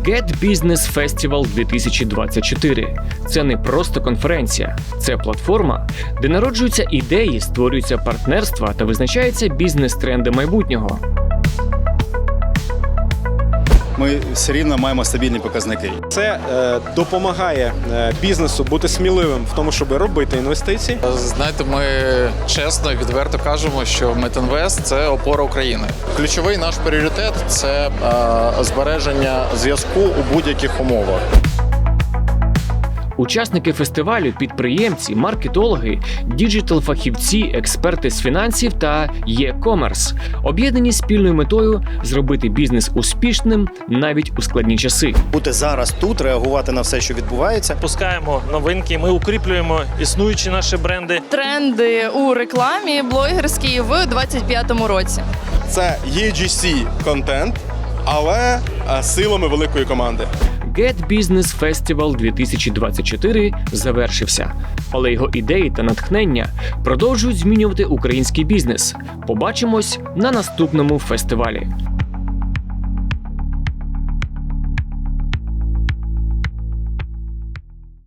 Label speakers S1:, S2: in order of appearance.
S1: Get Business Festival 2024 – це не просто конференція, це платформа, де народжуються ідеї, створюються партнерства та визначаються бізнес-тренди майбутнього.
S2: Ми все рівно маємо стабільні показники.
S3: Це допомагає бізнесу бути сміливим в тому, щоб робити інвестиції.
S4: Знаєте, ми чесно і відверто кажемо, що Метінвест – це опора України. Ключовий наш пріоритет – це збереження зв'язку у будь-яких умовах.
S1: Учасники фестивалю – підприємці, маркетологи, діджитал-фахівці, експерти з фінансів та e-commerce, об'єднані спільною метою зробити бізнес успішним навіть у складні часи.
S5: Бути зараз тут, реагувати на все, що відбувається.
S6: Пускаємо новинки, ми укріплюємо існуючі наші бренди.
S7: Тренди у рекламі блогерській в 2025 році.
S3: Це UGC-контент, але силами великої команди.
S1: Get Business Festival 2024 завершився, але його ідеї та натхнення продовжують змінювати український бізнес. Побачимось на наступному фестивалі.